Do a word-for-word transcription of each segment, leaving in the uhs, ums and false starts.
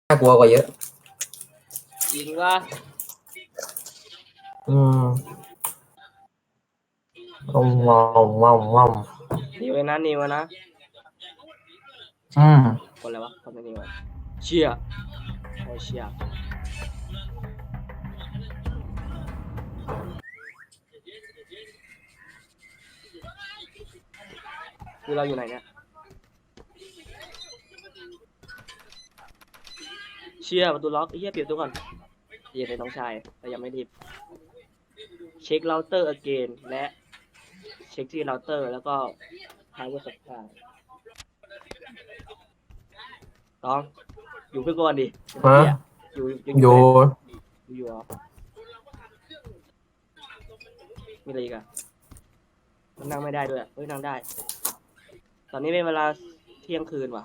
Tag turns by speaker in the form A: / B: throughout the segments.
A: น่ากลัวกว่าเยอะ
B: จริงว่า
A: อืมงอมงอมงอมงอม
B: นิวนะนิวนะ
A: อืม
B: คนอะไรวะคนนิวเชียโอเชียคือเราอยู่ไหนเนี่ยเชียประตูล็อกไอ้เหี้ยเปลี่ยนตัวก่อนเย็นเลยน้องชายแต่ยังไม่รีบเช็คเราเตอร์ again และเช็คที่เราเตอร์แล้วก็หาว่าสับขาต้องอยู่เพื่อนก่อนดิอยู่อยู่อยู่อยู่เหรอมีอะไรอีกอะมันนั่งไม่ได้ด้วยเฮ้ยนั่งได้ตอนนี้เป็นเวลาเที่ยงคืนว่ะ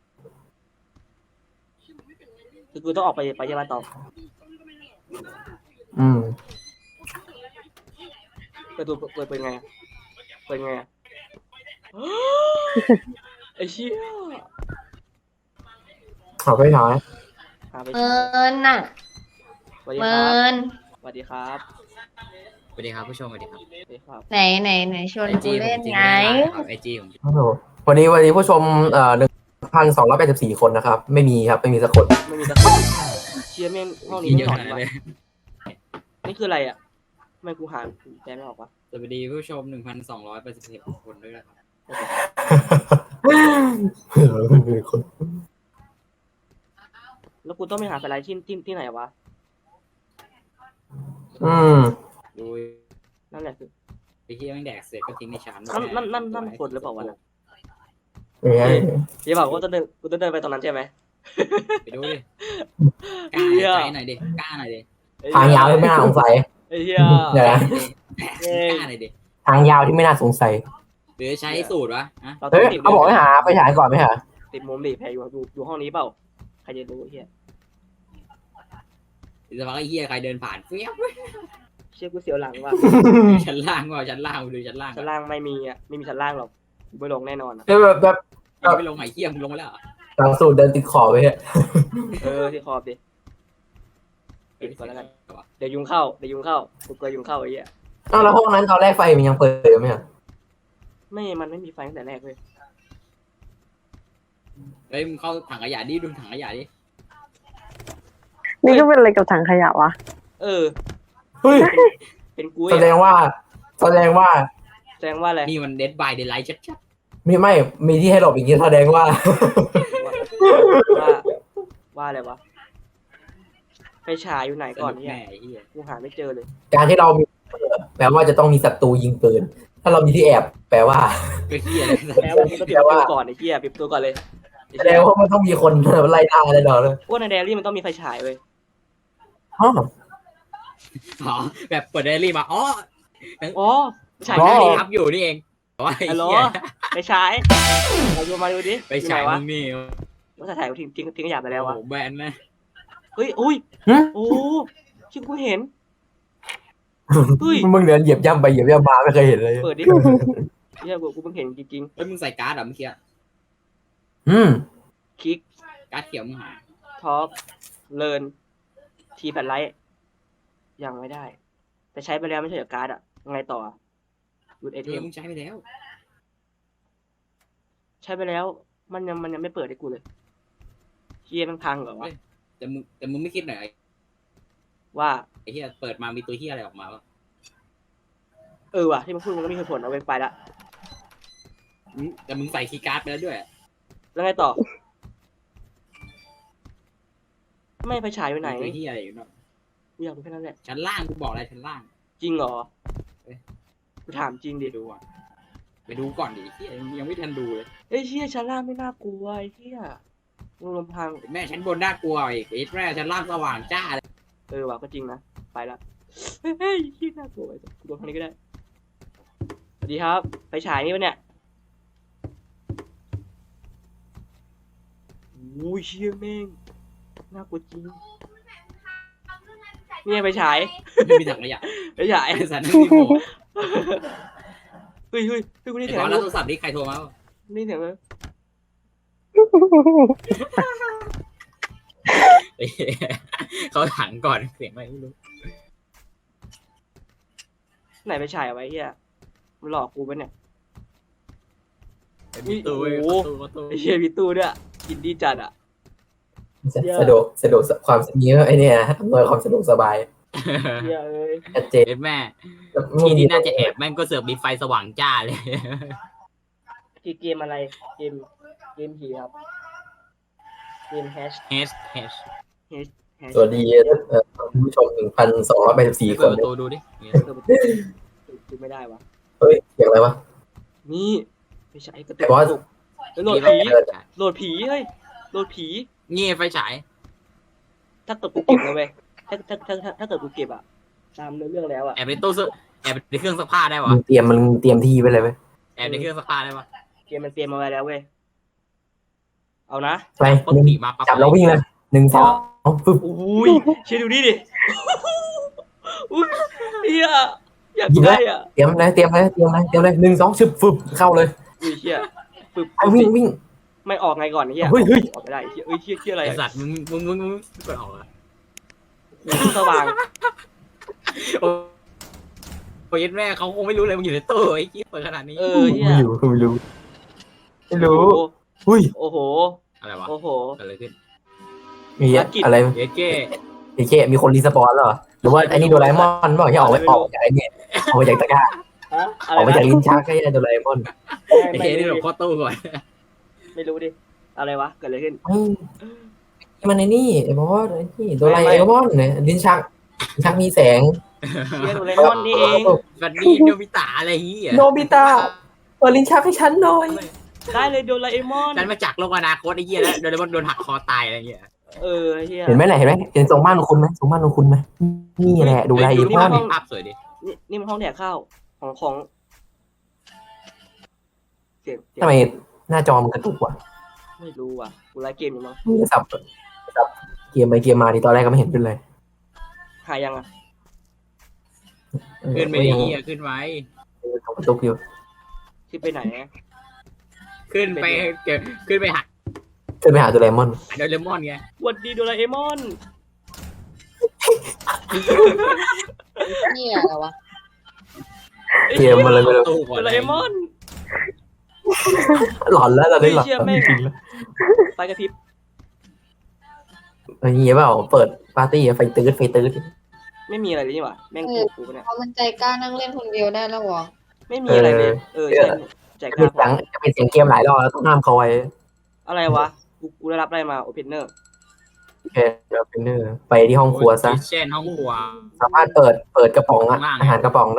B: คือกูต้องออกไปไปยังไงต่อ
A: อืม
B: เปิดตัวเปิดเป็นไงเปิดไงไอ้เชี่ย
A: หาไปไหน
B: หาไป
C: เมินน่ะ
B: สวัสดี
C: เมิ
B: ครับ
C: น
B: สวัสดีครับ
D: สวัสดีครับผู้ชมสวัสดีครับ
B: สวัสดีครับ
C: ไหนไหนไหนชวน
D: ไอ
C: กู
D: จีผม
C: เล่น
D: จริง
C: ไง
D: ไม่ได้ครับไอจีผม
A: โอ้โหวันนี้วันนี้ผู้ชมเอ่อหนึ่งพันสองร้อยแปดสิบสี่คนนะครับไม่มีครับไม่มีสักคน
B: ไม่มีตะคนเชียร์แม่งห้องนี้
D: เย
B: ไม่
D: อะ
B: หล
D: ข
B: อน
D: นาด
B: วะ
D: เลย
B: นี่คืออะไรอ่ะไม่กูหาแจไม่ออกวะ
D: สวัสดีผู้ชมหนึ่งพันสองร้อยแปดสิบเอ็ดคนด้วยนะครับ
A: ไม่มีคน
B: แล้วกูต้องไปหาสไลด์ที่ที่ที่ไหนวะ
A: อืม
D: ดู
B: นั่นแหละคือ
D: ไอ้ที่แม่งแดกเสร็จก็ทิ้งในชั้น
B: นั่นนั่นนั่นนั่นคนหรือเปล่าวะน่ะ
A: ไม่ใช่
B: เดี๋ยวบอกว่าจะเดินกูจะเดินไปตรงนั้นใช่ไหม
D: ไปดูดิกล้าใจหน่อยดิกล้าหน่อยดิ
A: ทางยาวที่ไม่น่าสงสัย
B: ไอ้เหี้ย
A: เดี๋ยวนะ
D: กล้าหน่อยดิ
A: ทางยาวที่ไม่น่าสงสัย
D: หรือใช้สูตรวะฮะ
B: เราต้
A: เฮ้
B: อง
A: ย
B: ติด
A: เขาบอกให้หาไปฉายก่อนไหมฮะ
B: ติดมุมดิแพรอยู่อยู่อยู่ห้องนี้เปล่าใครจะรู้ไอ้เหี้ย
D: หรือว่าไอ้เหี้ยใครเดินผ่านเฟี้ยว
B: เชี่ยกูเสียวหลังว่ะ
D: ชั้นล่างว่าชั้นล่างดูชั้นล่าง
B: ชั้นล่างไม่มีอ่ะไม่มีชั้นล่างหรอกกูไม่ลงแน่นอนอ่ะ
A: เฮ้ยแบบแบบ
D: ยังไม่ลงไหนเหี้ยมึงลงมาแล้ว
A: หลังสูตรเดินติดขอบไปฮะ
B: เออที่ขอบดิปิดก่อนแล้วกันเดี๋ยวยุงเข้าเดี๋ยวยุงเข้ากูกลัวยุงเข้าไอ้เหี้ย
A: อ้าวแล้วห้องนั้นตอนแรกไฟมันยังเปิดอยู่ไหมฮะ
B: ไม่มันไม่มีไฟตั้งแต่แรกเลย
D: เฮ้ยมึงเข้าถังขยะดิดูถังขยะดิ
E: นี่ก็เป็นอะไรกับถังขยะวะ
B: เออ
A: เฮ้ย
B: เป็นกู
A: แสดงว่า แสดงว่า
B: แสดงว่าอะไร
D: นี่มันเดดบายเดดไลท์ชัด
A: มีไม่มีที่ให้หลบอย่างนี้แสดงว่า
B: ว่าว่าอะไรวะไปฉายอยู่ไหน
D: ๆ
B: ก่อน
D: ส
B: เนี่ย
D: แม่ไอ้เหี้ย
B: กูหาไม่เจอเลย
A: การที่เรามีแปลว่าจะต้องมีศัตรูยิงปืน ถ้าเรามีที่แอบ แปลว่า
D: ก็เหี้ยเลย
B: แล้ว่ากูต้องปิดประตูก่อนไอ้เหี้ยปิดประตูก่อนเลยไอ้
A: แสด
B: เหี้ย
A: งว่ามันต้องมีคนไล่ล่าอะไรดอกเลย
B: พวกในแดรี่มันต้องมีไฟฉายเว้ย
A: อ๋อ
D: อ๋อแบบเปิดไดอารี่มาอ๋อ
B: อ๋อไฟฉาย
A: อ๋อ
B: ไหน
D: นี่ครับอยู่นี่เองโอ้ย
B: ฮัลโหล
D: เหี้ย
B: ไฟฉายเราดูมาดูดิ
D: ไปฉาย
B: อยู่หนวะ
D: มึงนี่
B: ว่าถ่ายทิ้งทิ้งทิ้งขยะไปแล้ววะ
D: โอ้โหแบนนะ
B: เฮ้ยอุ้ย
A: หึ
B: โอ้ชิกูเห็นเฮ้ย
A: มึงเดินเหยียบย่ำไปเหยียบย่ำมาไม่เคยเห็นเลย
B: เปิดดิเฮียกูกูเพิ่งเห็นจริง
D: เฮ้ยมึงใส่การ์ดเหรอเมื่อกี้
A: อืม
B: ๆคลิก
D: การ์ดเขียวมึงหาย
B: ท็อปเลิร์นทีแพดไลท์ยังไม่ได้ แต่ใช้ไปแล้วไม่ใช่เหรอการ์ดอะไงต่อหยุดไอ
D: เอ
B: เท
D: อ
B: ม
D: มึงใช้ไปแล้ว
B: ใช้ไปแล้ว มันยังมันยังไม่เปิดให้กูเลยเฮียมันพังเหรอวะ
D: แต่มึงแต่มึงไม่คิดหน่อย
B: ว่า
D: ไอ้เหี้ยเปิดมามีตัวเหี้ยอะไรออกมาวะ
B: เออว่ะที่มันพูดมันก็มีเหตุผลเอาไปไปละ
D: มึงแต่มึงใส่คีย์การ์ดไปแล้วด้วย
B: แล้วไงต่อ ไม่ไปฉายไปไหน
D: มีตัวเหี้ยอะไรอยู่เนาะ
B: กูอยากรู้แค่นั้นแหละ
D: ชั้นล่างกูบอกอะไรชั้นล่าง
B: จริงเหรอ
D: เอ้ย
B: กูถามจริงดิ
D: ไปดูอ่ะไปดูก่อนดิเหี้ยยังไม่ทันดูเลย
B: เอ้ยเฮียชั้นล่างไม่น่ากลัวไอ้เฮียมึงลมพัง
D: แม่ชั้นบนน่ากลัวอีกไอ้แม่ชั้นล่างสว่างจ้าเลย
B: เออว่ะก็จริงนะไปละเฮ้ยเฮ้ยที่น่ากลัวไอ้สัสกูโดนทางนี้ก็ได้สวัสดีครับไปฉายนี่ปะเนี่ยโอ้ยเชี่ยแม่งน่ากลัวจริงเนี่ยไปฉาย
D: ไม่มีถังขยะ
B: ไปฉาย
D: ไอ้สัตว์นั่นนี่โม
B: เฮ้ยเฮ้ยเฮ้ยกูได้
D: ไอ้
B: เสีย
D: ต
B: ง
D: อนรับโทรศัพท์นี่ใครโทรมาวะ
B: ได้เสียงเลย
D: เขาถังก่อนเสียงอะไรไม่รู้
B: ไหนไปฉายเอาไว้เฮียมันหลอกกูปะเนี่ย
D: มีตู้ประตูประตู
B: ไอ้เฮียมีตู้ด้วยกินดีจัดอ่ะ
A: สะดวกสะดวกความมีไอ้เนี่ยอำนวยความสะดวกสบาย
B: เฮียเอ้ย
A: ชัดเจน
D: เอ็ดแม่ที่ที่น่าจะแอบแม่งก็เสือกมีไฟสว่างจ้าเลย
B: คือเกมอะไรเกมเกมผีครับเกมแฮช
D: เฮชเฮช
B: แฮชแฮช
A: สวัสดีเอ่อท่านผู้ชมหนึ่งพันสองร้อยแปดสิบสี่ค
D: เปิด
A: น
D: ประตูดูดิ
B: เปิดประตูดูไม่ได้วะ
A: เฮ้ยเสียงอะไรวะ
B: นี่ไม่ใช่กระตุ
A: ไอ้
B: ก
A: บอส
B: กระตุกเฮ้ยโหลดผี
A: เออ
B: โหลดผีเฮ้ยโหลดผี
D: เงี้ยไฟฉาย
B: ถ้าเกิดกูเก็บนะเว้ยถ้าถ้าถ้าถ้าถ้าเกิดกูเก็บอะตามเนื้อเรื่องแล้วอะ
D: แอบในตู้เสื้อแอบในเครื่องซักผ้าได้วะ
A: มึงเตรียมมันเตรียมที่ไว้เลยไหม
D: แอบในเครื่องซักผ้าได้ปะ
B: เกมมันเตรียมมาไว้แล้วเว้ยเอานะ
A: ไป
D: ปุ๊บ
A: หนึ่ง
D: ผีมาปั๊บ
A: จับแล้ววิ่งเลยหนึ่งสองฟึบ
B: อุ้ยเชี่ยดูนี่ดิอุ้ยเฮียอยาก
A: หยิบเล
B: ได้
A: ย
B: อ่ะ
A: เตรียมเลยเตรียมเลยเตรียมเลยเตรียมเลยหนึ่งสองชึบฟึบเข้าเลย
B: อุ้ยเฮียปึ๊บ
A: เอาวิ่งวิ่ง
B: ไม่ออกไงก่อนเฮีย
A: เฮ้ยเฮ้ย
B: ออกไม่ได้เฮียเอ้ยเฮียเฮียอะไร
D: ไอ
B: อะ
D: สัตว์มึงมึงมึงมึงเปิดออกอะ
B: สว่าง
D: โอ้ยแม่เขาคงไม่รู้เลยมึงอยู่ในตู้ไอ้กี้เปิดขนาดนี้
B: เออเฮีย
A: ไม่รู้ไม่รู้ไม่รู้
B: โอ้
A: อุ้ย
B: โอ้โห
D: อะไรวะ
B: โอ้โห
D: เกิดอะไรขึ้น
A: มีอะไร
D: เอเก้
A: ไอ้เคมีคนรีสปอนเหรอหรือว่าไอ้นี่โดราเอมอนบอกที่ออกไปออกจากไอ้เนี่ยออกมาจากตะกร้า
B: ฮะอะ
A: อ
B: ไร
A: อกมาจาก
B: นะ
A: ลิ้นชักไอ้เนี่ยโดราเอมอน
D: ไอ้
B: ไม่
D: เก้นี่
B: ไม่
D: หล
B: รู้
D: บเข้าตู้ก่อน
B: ไม่รู้ดิอะไรวะเกิดอะไรขึ้น
A: เฮ้ยนี่มันไอ้นี่ไอ้บอสไอ้นี่โดราเอมอนเนี่ยลิ้นชักลิ้นชักมีแสง
B: เฮียโดเรมอนนี่เอง
D: บัดดี้โนบิตะอะไรเงี้ย
A: โนบิตะเปิดลิ้นชักให้ฉันหน่อย
B: ได้เลยโดราเอมอน
D: นั่นมาจากโลกอนาคตไอ้เหี้ยแล้วโดนโดนหักคอตายอะไรเงี้ย
B: เออเฮีย
A: เห็นไหมไหนเห็นไหมเห็นทรงบ้านของคุณไหมทรงบ้านของคุณไหมนี่แหละโดราเอมอน
D: ภาพสวยดิ
B: นี่นี่มันห้องแดกข้าวของของเสียงเสียง
A: ทำไมหน้าจอมันกระตุกวะ
B: ไม่รู้ว่ะกูไลฟ์เกมอยู่มั้ง
A: นี่สับสับเกมไปเกมมาดีตอนแรกก็ไม่เห็นเป็นเลย
B: หายังอ่ะ
D: ขึ้นไปดิเหี้ยขึ้นไว้
A: กระตุกอยู่
B: ขึ้นไปไหนอะ
D: ขึ้นไปเกิดขึ้นไปหัก
A: ขึ้นไปหาโดราเอมอน
D: โดเรมอนไง
B: สวัสดีโดราเอมอน
C: นี่อะไรวะ
A: เกมมาเลยไม่รู้
D: ตู้ก่อน
B: โดราเอมอน
A: หลอนแล้วตอนนี้หลอน
B: เชื่อแม่ง
A: จริงๆแล้ว
B: ไฟกระพริบ
A: เฮ้ยเงี้ยเปล่าเปิดปาร์ตี้ไฟตื้อไฟตื้อ
B: ไม่มีอะไรเลยนี่หว่าแม่งกูกูปะเนี่ย
C: พอมันใจกล้านั่งเล่นคนเดียวได้แล้ววะ
B: ไม่มีอะไรเลยเออใช่แจก
A: จะ
B: หน้า
A: เป็นเสียงจะเป็นเสียงเกมหลายรอบแล้วต้องห้ามเขาไว้
B: อะไรวะกูกูได้รับอะไรมาโอเพนเนอร์
A: โอเคเดี๋ยวเป็นเนอร์ไปที่ห้องครัวซะ
D: เช่นห้องครัว
A: สามารถเปิดเปิดกระป๋องอะ
D: ข้างล่าง
A: อาหารกระป๋องได้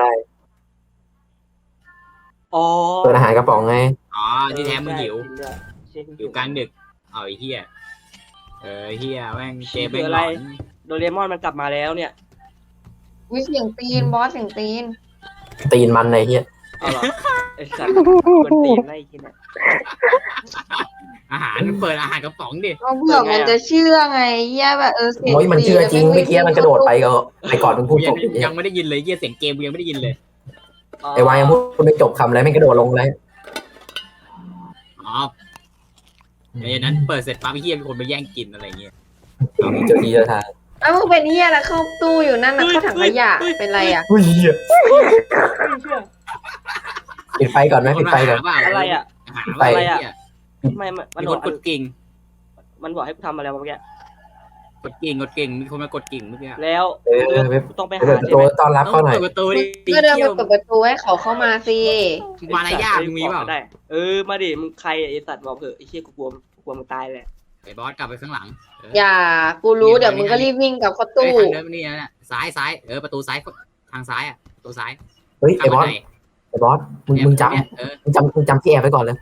B: อ๋อ
A: เปิดอาหารกระป๋องไง
D: อ๋อที่แท้มึงหิว
B: จริงด้วยเชี่ย
D: อยู่กลางดึกเอาไอ้เหี้ยเออเหี้ยแม่งเจม
B: คือ
D: แม่ง
B: อะ
D: หล
B: ไร
D: อน
B: โดเรมอนมันกลับมาแล้วเนี่ย
C: วิเสียงตีนบอสเสียงตีน
A: ตีนมันไอ้เหี้ย
B: เอาเหรอไอ้สัตว์กวนตีนไล่กินอ่ะ
D: อาหารเปิดอาหารกระป๋องดิ
C: ก็เผื่อมันจะเชื่อไงเหี้ยแบบเออเสียง
A: โอ้ยมันเชื่อจริง
C: ตี
A: เมื่อกี้มันกระโดดไปก็ไปก่อนมึงพูด
D: กู
A: จ
D: ยัง
A: บอย่างเงี้
D: ยั
A: ย
D: งไม่ได้ยินเลยเหี้ยเสียงเกมกูยังไม่ได้ยินเลย
A: ไอ้วายยังพูดไม่จบคำเลยไม่กระโดดลงเลย
D: อ๋อเดี๋ยวนั้นเปิดเสร็จปั๊บไอ้เหี้ยมีคนไปแย่งกินอะไรเงี้ย
A: เจอทีเจอทาง
C: เอ้ามึงเป็นเหี้ยแล้วเข้าตู้อยู่นั่นนะเข้าถังขยะเป็นไรอ่ะ
A: อุ้ยเหี้ย
B: ไม่เชื่อ
A: ปิดไฟก่อนไหมปิดไฟก่อน
B: อะไรอ่ะ
D: หาว่าอะไรอ่ะ
B: ไม่มันมัน
D: มี
B: บ
D: ค
B: อน ก
D: กดกิ่ง
B: มันบอกให้กูทำอะไรวะเมื่อกี้
D: กดกิ่งกดกิ่งมีคนมากดกิ่งเมื่อกี้
B: แล้ว
A: เออเว็บ
B: กูต้องไป
A: เปิ
B: หา
A: ดประ
B: ใช่
A: ตู
B: ไหม
A: ต้อนรับเข้าหน่อย
D: เปิดประตูดิ
C: ก็เดินไปเปิดประตูให้เขาเข้ามาสิ
D: มารยาทมึงมีเปล่า
B: ได้เออมาดิมึงใครไอ้สัตว์บอกเถอะไอ้เชี่ยกูกลัวกูกลัวมึงตายแหละ
D: ไอ้บอสกลับไปข้างหลัง
C: อย่ากูรู้เดี๋ยวมึงก็รีบวิ่งกลับเข้า
D: ตู้
C: ตู้
D: ทางเดินนี่นะซ้ายซ้ายเออประตูซ้ายทางซ้ายอ่ะประตูซ้าย
A: เฮ้ยไอ้บอสไอ้บอสมึงมึงจ
D: เออ
A: ำมึงจำมึงจำที่แอบไปก่อนเลย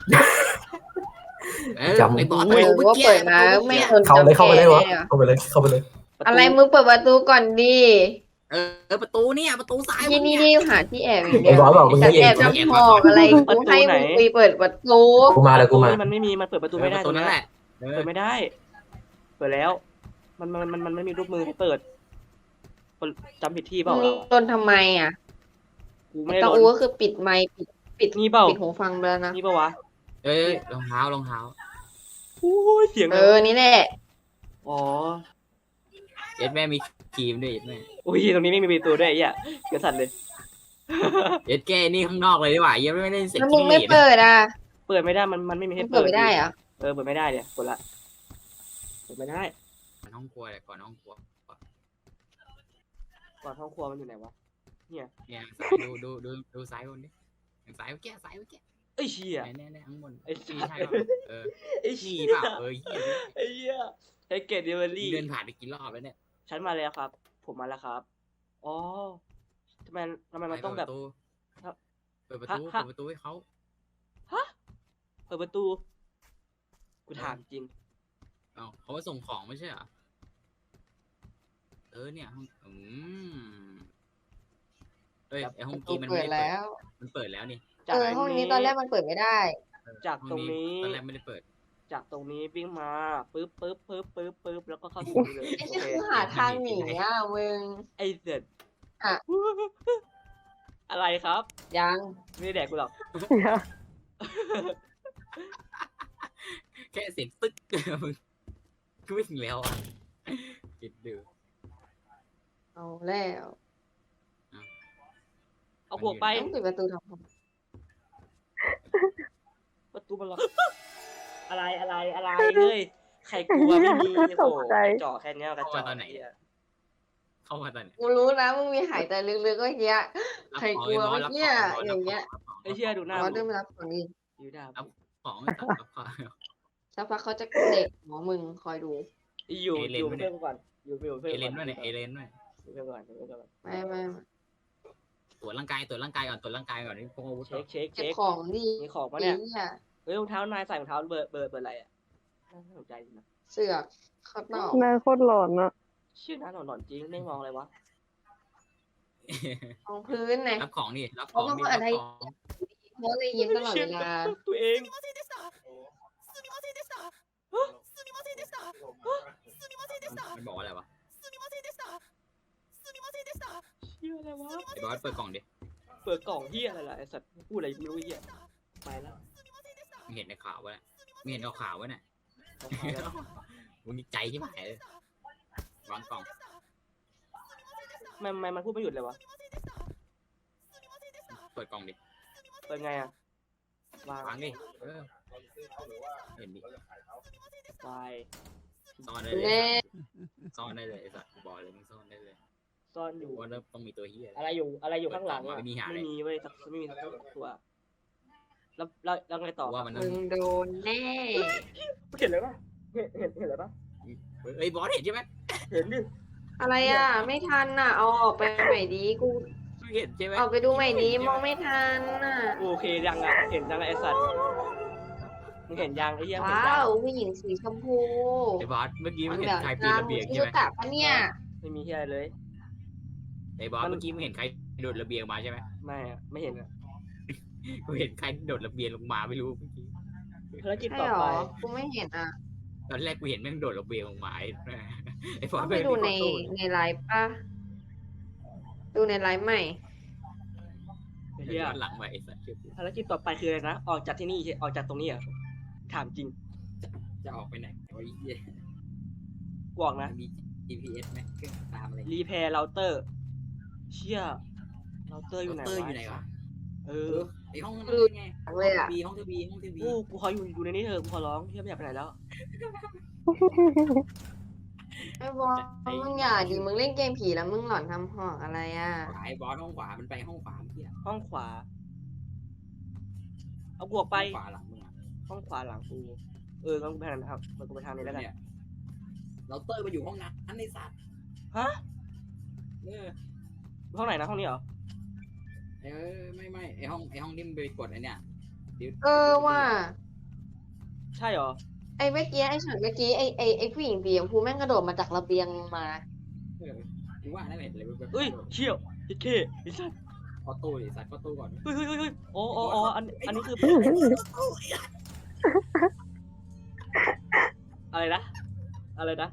D: เออไอ้บอส
C: เออว่าเปิดมาไม่คน
A: เข้าเลยเข้าไปเลยวะ
C: จำแน่
A: เข้าไปเลยเข้าไปเลย
C: อะไรมึงเปิดประตูก่อนดิ
D: เออประตูเนี่ยประตูซ้าย
C: ที่นี่นี่หาที่แอบอย่างเดี
A: ไอ้
C: ยว
A: บอสบอกมึง
C: แต่
A: ไม่เอ
C: แอง บจะพอกอะไรกูให้มึงไปเปิดประตู
A: กูมาเลยกูมา
B: มันไม่มีมันเปิดประตู
D: ป
B: ไม่ได้
D: ระตูนั่นแหละเออ
B: เปิดไม่ได้ เปิดแล้ว มันมันมันมันไม่มีรูปมือให้เปิดคนจำผิดที่เปล่า
C: มึง
B: เรา
C: โดนทำไมอ่ะ
B: กูไม่ได้
C: ตา
B: โด
C: อู
B: น
C: ก็คือปิดไมค์ปิดปิด
B: นี่เปล่า
C: ปิดหูฟังไปแล้วนะ
B: นี่เปล่าวะ
D: เอ้ยรองเท้ารองเท้า
B: โอ้ยเสียง
C: เออนี่แหละ
B: โออ๋อ
D: เอ็ดแม่มีครีมด้วยเอ็ดแม่
B: อุ้ยตรงนี้ไม่มีประตูด้วยไอ้เหี้ยเกิดสั่นเลย
D: เอ็ดแกนี่ข้างนอกเลยดีกว่าเอ็ดไม่ได้เสร็จ
C: แล้วมึง
D: ที่
C: ไม่
D: นี่
C: เปิดอ่ะ
B: เปิดไม่ได้มันมันไม่มี
C: มึ
B: ให้
C: งเปิดไม่ได้เหรอ
B: เออเปิดไม่ได้เนี่ยกดละเปิดไม่ได้
D: ก่อนห้องครัวเลยก่อนห้องครัว
B: ก่อนห้องครัวมันอยู่ไหนวะเนี่ย
D: เนี่ยสายดูดูดูดูซ้ายบนดิสายเมื่อกี้สายเมื่อกี้
B: ไอ้เชี่ย
D: แน่แน่ข้างบน
B: ไอ้เชี่ย
D: ใช่ป่ะเออ
B: ไอ้
D: ขี่
B: เชี่ย
D: เปล่าเออเหี้ย
B: ไอ้เหี้ยไอ้เกตเดลิเวอรี่
D: เดินผ่านไปกี่รอบแล้วเนี่ย
B: ฉันมาแล้วครับ ผมมาแล้วครับอ๋อทำไมทำไมมันต้องแบบ
D: เปิดประ
B: ฮะ
D: ตู
B: ฮะ
D: เปิดประตูให้เขา
B: ฮะเปิดประตูกูถามจริง
D: เอาเขามาส่งของไม่ใช่เหรอเออเนี่ยห้องอืมเอ้ยไอห้องกี้มัน
C: เปิ
D: ไม่
C: ด
D: ได้เปิด
C: แล้ว
D: มันเปิดแล้วนี่
B: จาก
C: เออห้องนี้ตอนแรกมันเปิดไม่ได้
B: จาก
D: ห้อง
B: ตรงนี้
D: ตอนแรกไม่ได้เปิด
B: จากตรงนี้วิ่งมาปึ๊บปึ๊บปึ๊บปึ๊บปึ๊บแล้วก็เข้าสู่นี่เลย
C: ไอ้
B: โอ
C: ที่
B: เค
C: คือหาทางหนีอ่ะมึง
B: ไอ้เสร็จ
C: อ่ะ
B: อะไรครับ
C: ยัง
B: ไม่ได้แดกกูหรอก
D: แค่เสียงตึ๊ก มึงก็วิ่งแล้วอ่ะคิดดู
C: เอาแล้ว
B: เอาพวกไป
C: ต้องปิดประตูทำไม
B: ประตูมันล็อก อะไรอะไรอะไรเฮ้ยใครกลัวไม่มีโอ้โหเจาะแค่เนี้ยกระจอกไอ้เหี้ย
D: เข้ามาตอนไหน
C: กูรู้นะมึงมีหายใจลึกๆก็เงี้ย
D: รับ
C: ใคร
D: ของ
C: กลัว
D: ไบอส
C: เมื่อกี้อะ
D: รับข
C: อย่างเงี้ย
B: ไอ้เหี้ยดูหน้า
C: อ๋อ
B: มึง
C: เดินมารับของนี่
B: อยู่ด่า
D: รับของไอ้สัตว์รับของ
C: สักพักเขาจะเด็กหมอมึงคอยดู
B: อยู่
D: เอเลน
B: อยู่
D: วะเนี่
B: เพื่อย นกูก่อนอยู่อยู่เพื่อน
D: เอ
B: กู
D: เล
B: ก่อน
D: ด้วยเนี่ยเอเลนด้วย
B: อยู่เพื่อนกูก่อนอยู่เพื่อนกูก่อน
C: ไม่ไม่ไม่
D: ตรวจร่างกายตรวจร่างกายก่อนตรวจร่างกายก่อนนี่พวกอาวุธ
B: เช็คเช็ค
C: เก็บ
B: เช็ค
C: ของดี
B: มีของปะ
C: ดี
B: เนี่ย
C: เนี่ย
B: เฮ้ยรองเท้านายใส่รองเท้าเบอร์เบอร์เบอร์อะไรอ่ะน่าสนใจดีนะ
C: เสือกเขาตอบ
E: หน้าโคตรหลอนอะ
B: ชื่อน้าหนอนๆจริงไม่มองอะไรวะ
C: ของพื้นไง
D: รับของนี่รับของนี่
C: เพราะว่า
D: รับ
C: อะไร
D: ของ
C: เขาเลยยิ้มตลอดเวลา
B: ตัวเอง
D: มันบอกว่าอะไรวะ
B: ชื่ออะไรวะ
D: ไอ้บอสเปิดกล่องดิ
B: เปิดกล่องเฮียอะไรล่ะไอสัตว์พูดอะไรไม่รู้เฮียไปแล้ว
D: มึงเห็นในข่าววะเนี่ยมึงเห็นเอาข่าววะเนี่ย
B: เอาไปแล้ว
D: มึงนี่ใจที่หายเลยวางกล่อง
B: ทำไมทำไมมันพูดไม่หยุดเลยวะ
D: เปิดกล่องดิ
B: เปิดไงอ่ะวาง
D: วางดิเออเห็นดิ
B: ไป
D: ซ่อนได้เลย
C: แน่
D: ซ่อนได้เลยไอ้สัตว์บอกเลยมึงซ่อนได้เลย
B: ซ่อนอยู่
D: ว่าเริ่มต้องมีตัวเฮีย
B: อะไรอยู่อะไรอยู่ข้างหลัง
D: เปิดกล่อง
B: อะ
D: มาไม่มีหาเลย
B: ไม่มีเว้ยสักไม่มีสักตัวแล้วแล้วแล้วไงต่อ
D: ว่ามันต้อ
C: มึ
D: ง
C: งโดนแน่
B: เห็นเลยปะเห็นเห็นเห็นเลยปะ
D: เอ้ยบอสเห็นใช่ไหม
B: เห็นดิ
C: อะไรอ่ะ ไม่ทันอ่ะ เอาออกไปใหม่ดีกู
D: มึงเห็นใช่ไหม
C: ออกไปดูใหม่ดีมองไม่ทันอ่ะ
B: โอเคยังอ่ะเห็นยังไอสัตว์มึงเห็นยังไอ้เหี้ยเห็น
C: ว้า
B: ยัง
C: วผู้หญิงสีชมพู
D: ไอ้บอสเมื่อกี้มึงเห็น
C: แบบ
D: ใครปีน
C: น้ำ
D: ระเบียง
C: ชื่
D: ใช่
C: อ
D: ไหม
C: กะปะเนี่ย
B: ไม่มีเหี้ยอะไรเลย
D: ไอ้บอสเมื่อกี้มึงเห็นใครโดดระเบียงมาใช่ไหม
B: ไม่อะไม่เห็นอะ
D: กูเห็นใครโดดระเบียงลงมาไม่รู้เมื่อกี้
B: ภารกิจ
C: ใช่
B: ต่อ
C: หร
B: ไป
C: อ กูไม่เห็นอ่ะ
D: ตอนแรกกูเห็นแม่งโดดระเบียงลงมาไอ้ไอ้บอ
C: ต้
D: ส
C: องไปดูในในไลฟ์ป่ะ ดูในไลฟ์ใหม่
B: ไอ้
D: เฮี
B: เหี้ย
D: ยหลังไปไอ้สัตว์เชื่อกู
B: ภารกิจต่อไปคืออะไรนะ ออกจากที่นี่ใช่ออกจากตรงนี้เหรอถามจริง
D: จะออกไปไหนโอ้ยเฮีย
B: กวอกนะ
D: มี จี พี เอสไหมเครื่องตามอะไร
B: รีแพร์เราเตอร์ เชี่ยเราเตอร์อยู่ไหน
D: เตอร์อยู่ไหนวะ
B: เอ
D: เอ
B: อ
D: อไอห้องนั้น
C: รู้
D: ไง
C: เลยอ่ะ
D: บีห้องทีบีห้องทีบี
B: กูกูขออยู่อยู่ในนี้เถอะกูขอร้องเชี่ยไม่อยากไปไหนแล้ว
C: ไอ้บอสมึงอย่าดิมึงเล่นเกมผีแล้วมึงหลอนทำหอกอะไรอ่ะ
D: ขวาไอ้บอสห้องขวามันไปห้องขวาเมื่อกี้
B: ห้องขวา เอาบวกไป
D: ห้องขวาหลังมึงอ่ะ
B: ห้องขวาหลังกู เอองั้นกูไปทางนั้นครับมันกูไปทางนี้แล้วกัน
D: เนี่ยเราเตอร์มาอยู่ห้องนั้นในสัตว์
B: ฮะ
D: เออ
B: ห้องไหนนะห้องนี้เหรอ
D: เออไม่ไม่ไอห้องไอห้องที่มันไปกดไอเนี่ยดี๋ยว
C: เออว่ะ
B: ใช่เหรอ
C: ไอ้เมื่อกี้ไอ้ช็อตเมื่อกี้ไอ้ไอ้ไอ้ผู้หญิงสีชมพูแม่งกระโดดมาจากระเบียงมา
D: เออกูว่าได้เห็นอะไรแบบ
B: เอ้ยเชี่ยวไอ้เคไอ้สัส
D: ขอตู้ดิสัตว์ขอตู้ก่อน
B: เฮ้ยเฮ้ยเฮ้ยเฮ้ยอ๋ออ๋ออ๋ออันอันนี้คือ อะไรนะ อะไรนะ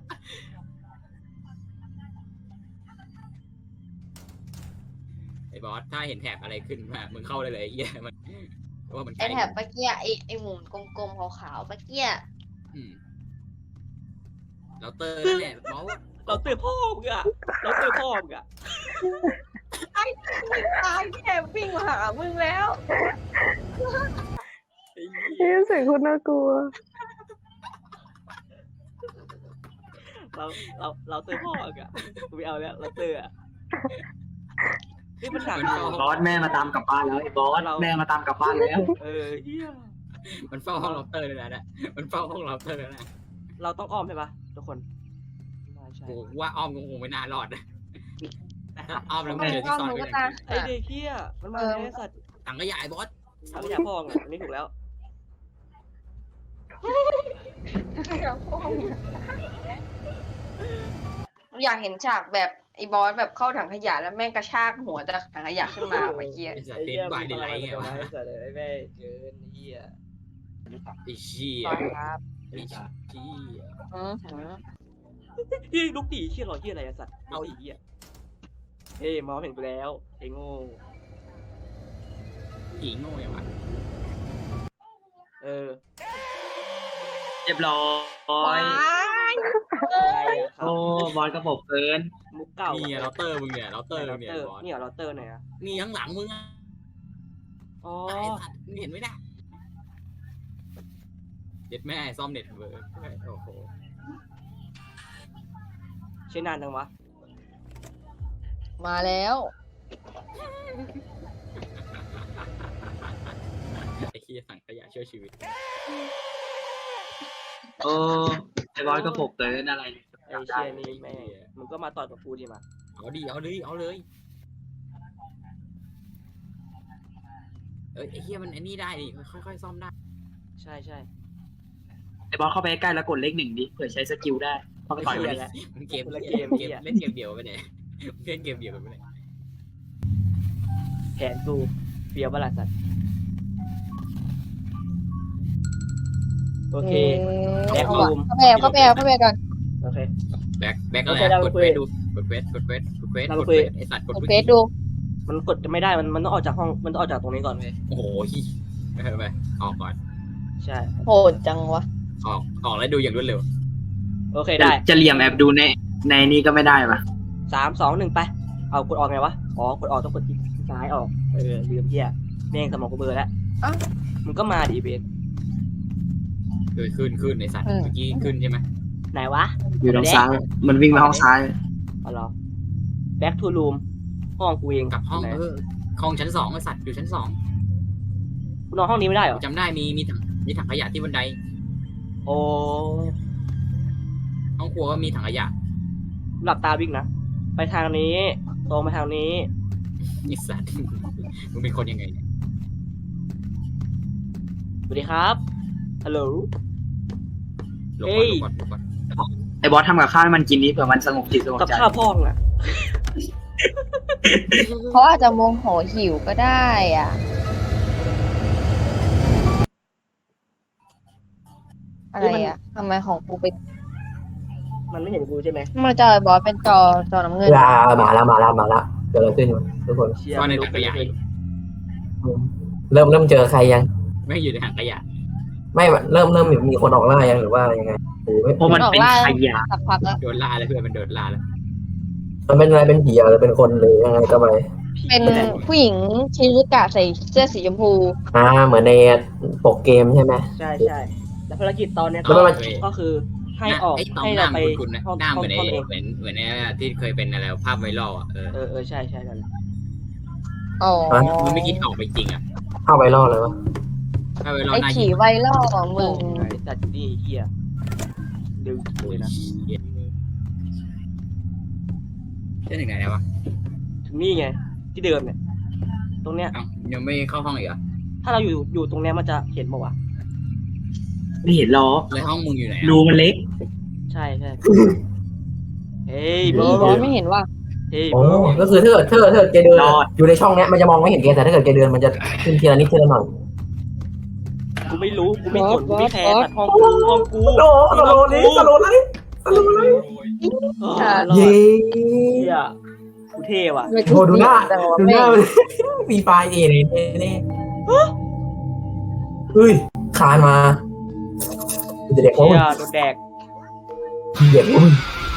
D: ไอบอสถ้าเห็นแถบอะไรขึ้นมามึงเข้าได้เลยไอ้เหี้ยมันเพราะว่ามัน
C: ไอ้แถบเมื่อกี้ไอ้ไอ้หมุนกลมๆขาวๆเมื่อกี้
D: อืมเราเตอร์นั่นแหละบอส
B: เราเตอร์พ่อมึงอะเราเตอร์พ่อมึงอะ
C: ตายแค่วิ่งมาหามึงแล้ว
B: ไอ้เหี้ย
E: เฮ้ยเสียงคุณน่ากลัว
B: เราเราเราเตอร์พ่อมึงอะกูไม่เอาแล้วเราเตอร์อะนี่มันหนัก
F: บอสแม่มาตามกลับบ้านแล้วไอ้บอสแม่มาตามกลับบ้านแล้ว
B: เออเฮีย
D: มันเฝ้าห้องเราเตอร์เลยนะมันเฝ้าห้องเราเตอร์แล้วนะ
B: เราต้องอ้อมใช่ปะทุกคนไม่ใช่
D: โอ้ว่าอ้อมคงไม่น่ารอดนะ
B: นะครับ
D: อ้อมแล้วไม่เจอที่ซ่อนก็ยัง
B: ไอเด็กเฮียมันมาแล้วไอ้สัตว์
D: ถังขยายบอส
B: ทำยาพ่องอ่ะอันนี่ถูกแล้ว
C: อยากเห็นฉากแบบไอ้บอสแบบเข้าถังขยะแล้วแม่งกระชากหัวจากถังขยะขึ้นมาไอ้เหี้ย
D: ไอ้สัต
B: ไอ้
D: ว์เด
B: เฮี
D: น
B: ย
D: บายเดนไลท์ไงวะ
B: ไอ้สัตว์ไอ้แม่เกินเฮีย
D: ไอ้เชี่ย
C: ครับ
D: ไอ้เชี่ย
C: อืมหือ
B: เฮียลูกตีเฮียหรอเฮียอะไรอะสัตว์เอาอีเฮียเฮ้ยมองเห็นกูแล้วไอ้โง่
D: ผีโง่ยังวะ
B: เออ
F: เรียบร้อย
B: อะไรอะครับ
F: โอ้บอสกระบบเกิน
B: มุกเก่า
D: นี่เราเตอร์มึงเนี่ยเราเตอร์
B: เรา
D: มึงเนี่
B: เต
D: ย
B: อร์
D: บอส
B: นี่เหรอเราเตอร์ไหนอะ
D: นี่ข้างหลังมึงอ่ะ
B: อ๋อ
D: ไอ้สัตว์มึงเห็นไหมเนี่ยเด็ดแม่ซ่อมเน็ตเวิร์กโอ้โห
B: ใช้นานจังวะ
C: มาแล้ว
D: ไอ้เชี่ยสั่งขยะช่วยชีวิต
F: โอ้ไอ้บอสกระบบเกินอะไร
B: ไอ้เชียนี่แม่งมึงก็มาต่อกับกูดิมา
D: เอาดิเอาเลยเอาเลยเอ้ยไอ้เหี้ยมันไอ้นี่ได้ดิค่อยๆซ่อมได้
B: ใช่ใช่
F: ไอ้บอสเข้าไปใกล้แล้วกดเลขหนึ่งดิเผื่อใช้สกิลได้เข้าไปต่อยมันดิ
D: มันเกม
B: คนละ
D: เก
B: เก
D: ม
B: ม
D: เกม
B: เหี้ย
D: เล่นเกมเดียวไปไหนเล่นเกมเดียวกันไปไหน
B: แผนกูเฟียวบลาสัตว์โอเค แบ็ครูม
C: เข้าไปเข้าไปเข้าไปก่อน
B: โอเค
D: แบ็คแบ็คอะไร
B: โอเคเรา
D: ก
B: ไป
D: ด
B: คุย
D: เฟซดูกดเฟซกดเฟซกดเฟซ
B: เรา
D: ก
B: ไป
D: ด
B: คุย
D: เฟซไอสัตว์กด
C: กด
D: เฟ
C: เฟ
D: ซ
C: ซดู
B: มันกดจะไม่ได้มันมันต้องออกจากห้องมันต้องออกจากตรงนี้ก่อนเว้ย
D: โอ้โหฮิไปเถอะไปออกก่อน
B: ใช่
C: โหดจังวะ
D: ออกออกแล้วดูอย่างรวดเร็ว
B: โอเคได้
F: จะเหลี่ยมแอบดูในในนี้ก็ไม่ได้ปะ
B: สามสองหนึ่งไปเอากดออกไงวะอ๋อกดออกต้องกดคลิกซ้ายออกเออลืมเฮียแม่งสมองกูเบลอแล้วมึงก็มาดิเบส
D: เออขึ้นขึ้นไอสัตว์เมื่อกี้ขึ้นใช่ไหม
B: ไหนวะ
F: อยู่ทางซ้ายมันวิ่งไปห้องซ้าย
B: เอาเหรอ back to room ห้องกูเอง
D: กลับห้อง
B: ไหน
D: เออห้องชั้นสองไอสัตว์อยู่ชั้นสอง
B: กูนอนห้องนี้ไม่ได้เหรอ
D: จำได้มีมีถังมีถังขยะที่บันได
B: โอ้
D: ห้องครัวก็มีถังขยะ
B: หลับตาวิ่งนะ ไปทางนี้ ตรงไปทางนี้
D: ไอสัตว์มึงเป็นคนยังไงเนี่ย
B: สวัสดีครับ ฮัลโหล
D: หลบ
B: เฮ้
D: ก่อน
B: ย
D: หลบก่อนหลบก่อน
F: ไอ้บอสทำกับข้าวให้มันกินนิดเผื่อมันสงบจิตสงบ
B: กับ
F: ใจ
B: ข้าวพ่องอ่ะ
C: เขาอาจจะโมโหหิวก็ได้อ่ะ อะไรอ่ะทำไมของกูเป็น
B: มันไม่เห็นกูใช่ไหม
C: มันจอยบอสเป็นจอจอน้ำเงิน
A: ลามาแล้วมาแล้วมาแล้วเกิดอะไรขึ้นวะทุกคน
B: เชียร์
D: ก็ใน
B: ไม่รู้
D: ถังข
B: เป็น
D: ยะ
B: ยังไง
A: เริ่มเริ่มเจอใครยัง
D: ไม่อยู่ในถังขยะ
A: ไม่เริ่มเริ่มมีคนออกล่ายังหรือว่ายังไงหรือไม่
F: เพราะมันเป็นขยะ
C: สักพักแล้ว
D: โดนล่าแล้วเพื่อนมันโดนล่าแล้ว
A: มันเป็นอะไรเป็นผีหรือเป็นคนหรือยังไงก็ไป
C: เป็นผู้หญิงชิรุกะใส่เสื้อสีชมพู
A: อ่าเหมือนในปกเกมใช่ไหม
B: ใช่ใช่แล้วภารกิจตอนเนี้ย
A: แล้ว
B: ก็
A: มัน
B: ก็คือให้ออก
D: ไอ้ตอม
B: ให้
D: หน้า
B: เราไป
D: มันคุณนะ
B: ห้อง
D: หน้าเห
B: ห้อ
D: มื
B: ง
D: อนไอ้
B: ห้องเอง
D: เหมือนเหมือนไอ้ที่เคยเป็นอะไรภาพไวรัลอ่ะเออ
B: เออเออใช่ใช่นั่นแหละ
C: อ๋อ
D: มึงไม่คิดออกไปจริงอ่ะ
A: เข้าไปรอดเลยวะ
D: ภาพไวรัล
C: ไอ้
D: หน้า
C: ขี่
D: ยิง
C: ไวรัลของมึง
B: ไอ้สัตว์นี่เฮียดึงเลยนะ
D: เล่นถึงไหนแล้ววะ
B: ถึงนี่ไง ที่เดิมเนี่ย ตรงเนี้ย
D: เอ้ายังไม่เข้าห้องอีกเหรอ
B: ถ้าเราอยู่อยู่ตรงเนี้ยมันจะเห็นป่าวะ
F: ไม่เห็นหรอก
D: เลยห้องมึงอยู่ไหน
F: รูมันเล็ก
B: ใช่ใช่เฮ้ย
C: บ
B: โบ
C: อสไม่เห็นว่า
B: เฮ้ย
A: โอ้
B: โบ
A: ก็คือถ้าเกิดถ้าเกิดถ้าเกิดแกเดินอะอยู่ในช่องเนี้ยมันจะมองไม่เห็นแกแต่ถ้าเกิดแกเดินมันจะขึ้นทีละนิดทีละหน่อย
B: กูไม่รู้ กูไม่สนกูไม่แคร์ตัดห้องกูห้องกู
A: โดสโลนี้สโลเลยสโลเลย
B: เออรอด
A: เย้
B: เฮียกูเท่ว่ะ
A: โหดูหน้าดูหน้ามีไฟเอเนี่ยเนี่ยเฮ้ยคานมาเด็กเขา
B: เฮียโดนแดก
A: เหี้ยมึง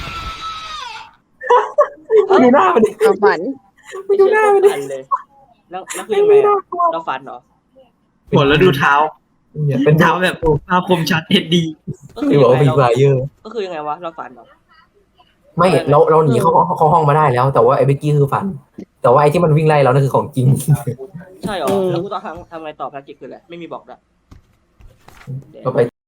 A: ไม่ดูหน้ามันดิ
C: ความฝัน
A: ไม่ดูหน้ามันดิ
B: ฝันเลยแล้วแล้วคือยังไงอะเราฝันเหรอ
F: หัวแล้วดูเท้า
A: เนี่ยเป็น
F: เท้าแบบภาพคมชัดเอ็ดดี
B: ก็คื
A: ไม่
B: อ
A: บอก
B: ยัง
A: ว่า
B: ไง
A: เป็น
B: เรา
A: ฟลายเยอร์
B: ก็คือยังไงวะเราฝันเหรอ
A: ไม่เราเราหนีเข้าเข้าห้องมาได้แล้ว แต่ว่าไอ้เบกกี้คือฝัน แต่ว่าไอ้ที่มันวิ่งไล่เรานั่นคือของจริง
B: ใช่เหรอแล้วกูต้องทำทำไงต่อภารกิจคืออะไรไม่มีบอกด้วย
A: ก็ไป